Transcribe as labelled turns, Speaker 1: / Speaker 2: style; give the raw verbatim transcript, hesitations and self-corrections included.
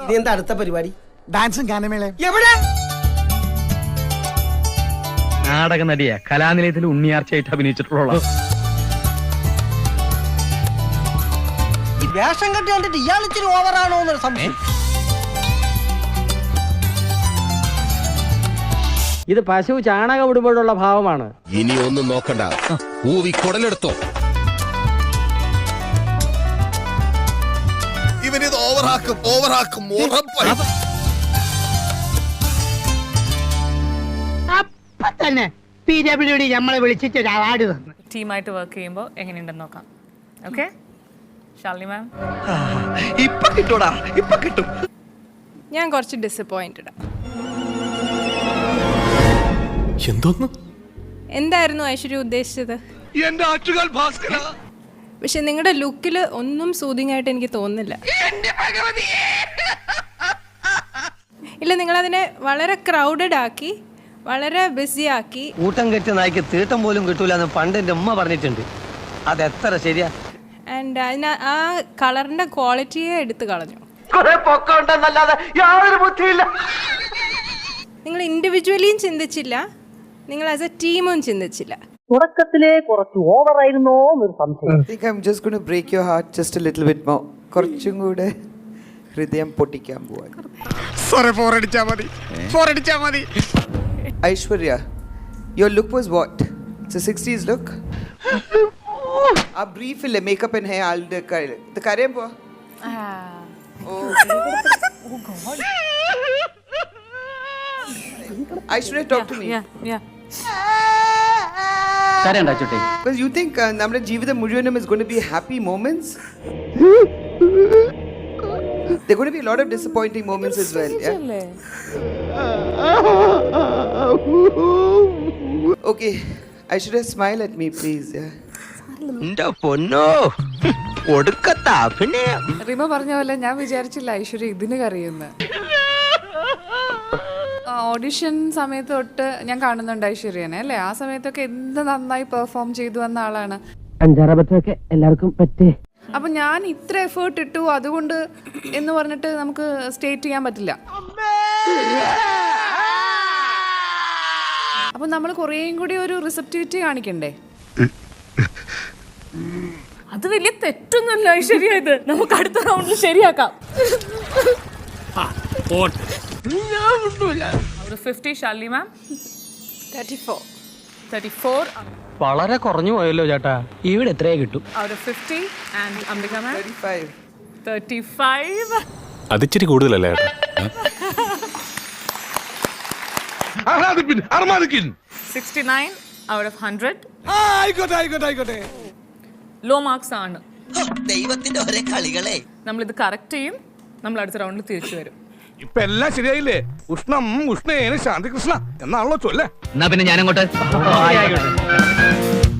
Speaker 1: നീ എന്താ അടുത്ത പരിപാടി?
Speaker 2: ഡാൻസും ഗാനമേളയും.
Speaker 1: എവിടെ?
Speaker 3: നാടക നടിയെ കലാനിലയത്തിൽ ഉണ്ണിയാർച്ചയായിട്ട് അഭിനയിച്ചിട്ടുള്ള
Speaker 1: ഈ വേഷം കെട്ടി കണ്ടിട്ട് ഇയാൾ ഇച്ചിരി ഓവറാണോ എന്നൊരു സംശയം.
Speaker 4: ഇത് പശു ചാണകം ഇടുമ്പോഴുള്ള ഭാവമാണ്.
Speaker 5: ഇനി ഒന്നും നോക്കണ്ട, ഊവി കുടലെടുത്തോ. ഇവനിത് ഓവറാക്കും ഓവറാക്കും ഉറപ്പായി.
Speaker 6: അപ്പൊ തന്നെ പി ഡബ്ല്യു ഡി നമ്മളെ വിളിച്ചിട്ട് ഒരു അവാർഡ് തന്നു.
Speaker 7: ടീമായിട്ട് വർക്ക് ചെയ്യുമ്പോൾ എങ്ങനെയുണ്ടെന്ന് നോക്കാം. Okay Shalini ma'am.
Speaker 8: ഇപ്പൊ കിട്ടൂടാ, ഇപ്പൊ കിട്ടും.
Speaker 9: ഞാൻ കുറച്ച് ഡിസപ്പോയിന്റഡ്.
Speaker 8: എന്തോന്ന്?
Speaker 9: എന്തായിരുന്നു ഐശ്വര്യ ഉദ്ദേശിച്ചത്?
Speaker 8: എന്റെ ആറ്റുകാൽ ഭാസ്കര.
Speaker 9: പക്ഷെ നിങ്ങളുടെ ലുക്കിൽ ഒന്നും സൂതിങ് ആയിട്ട് എനിക്ക് തോന്നുന്നില്ല. ഇല്ല, നിങ്ങളതിനെ വളരെ ക്രൗഡഡ് ആക്കി, വളരെ ബിസി ആക്കി.
Speaker 4: കൂട്ടം കെട്ടിയ നായ്ക്ക് തീട്ടം പോലും കിട്ടൂല എന്ന് പണ്ട് എൻ്റെ ഉമ്മ പറഞ്ഞിട്ടുണ്ട്. അത് എത്ര ശരിയാ.
Speaker 9: ആൻഡ് അതിന് ആ കളറിന്റെ ക്വാളിറ്റിയെ എടുത്തു കളഞ്ഞു. നിങ്ങൾ ഇൻഡിവിജ്വലിയും ചിന്തിച്ചില്ല, നിങ്ങൾ ആസ് എ ടീമും ചിന്തിച്ചില്ല.
Speaker 6: തുടക്കത്തിലെ കുറച്ച് ഓവർ ആയിരുന്നോ എന്നൊരു സംശയം.
Speaker 10: I think I'm just going to break your heart just a little bit more. കുറച്ചും കൂടെ ഹൃദയം പൊട്ടിക്കാൻ പോവാൻ.
Speaker 2: സോറി, ഫോർ അടിച്ചാ മതി, ഫോർ അടിച്ചാ മതി.
Speaker 10: Aishwarya, your look was what? It's a sixties look. ആ brief ഇല്ലേ, makeup and hair ആളുടെ കയ്യിൽ. ഇത് കരയാൻ പോവാ. Aishwarya, talk to me.
Speaker 7: Yeah, yeah.
Speaker 10: Because you think uh, നമ്മുടെ ജീവിതം മുഴുവനും is going to be happy moments. There are going to be a lot of disappointing moments as well. Yeah. Okay, Aishwarya, smile at me, please. Yeah.
Speaker 8: എന്റെ പൊന്നോ, ഒടുക്കത്ത അഭിനയം.
Speaker 11: റിമ പറഞ്ഞ പോലെ ഞാൻ വിചാരിച്ചില്ല ഐശ്വര്യ ഇതിന് കറിയുന്ന. ഓഡിഷൻ സമയത്ത് തൊട്ട് ഞാൻ കാണുന്നുണ്ട് ഐശ്വര്യനെ അല്ലേ. ആ സമയത്തൊക്കെ എന്ത് നന്നായി പെർഫോം ചെയ്തു വന്ന ആളാണ്.
Speaker 4: അഞ്ചാറബത്തൊക്കെ എല്ലാവർക്കും പറ്റേ.
Speaker 11: അപ്പൊ ഞാൻ ഇത്ര എഫേർട്ട് ഇട്ടു അതുകൊണ്ട് എന്ന് പറഞ്ഞിട്ട് നമുക്ക് സ്റ്റേറ്റ് ചെയ്യാൻ പറ്റില്ല. അപ്പൊ നമ്മൾ കുറേയും കൂടി ഒരു റിസപ്റ്റിവിറ്റി കാണിക്കണ്ടേ.
Speaker 7: അത് വലിയ തെറ്റൊന്നുമല്ല ഐശ്വര്യ, ഇത് നമുക്ക് അടുത്ത റൗണ്ടിൽ ശരിയാക്കാം. Fifty Shalini ma'am.
Speaker 9: Thirty four
Speaker 7: thirty four
Speaker 4: വളരെ കുറഞ്ഞു പോയല്ലോ ചേട്ടാ. ഇവിടെ എത്രയാ കിട്ടും?
Speaker 7: Out of fifty. And Ambika ma'am
Speaker 10: thirty-five.
Speaker 7: Thirty five.
Speaker 8: അതിച്ചിരി കൂടുതലല്ലേ?
Speaker 7: Sixty nine out of hundred.
Speaker 2: ആയിക്കോട്ടെ ആയിക്കോട്ടെ ആയിക്കോട്ടെ.
Speaker 7: ലോ മാർക്സ് ആണ്.
Speaker 8: ദൈവത്തിന്റെ ഒരേ കളികളെ.
Speaker 7: നമ്മളിത് കറക്റ്റ് ചെയ്യും, നമ്മൾ അടുത്ത റൗണ്ടിൽ തിരിച്ചു വരും.
Speaker 2: ഇപ്പൊ എല്ലാം ശരിയായില്ലേ? ഉഷ്ണം ഉഷ്ണേന ശാന്തികൃഷ്ണ എന്നാണല്ലോ ചൊല്ലേ.
Speaker 3: എന്നാ പിന്നെ ഞാനങ്ങോട്ട്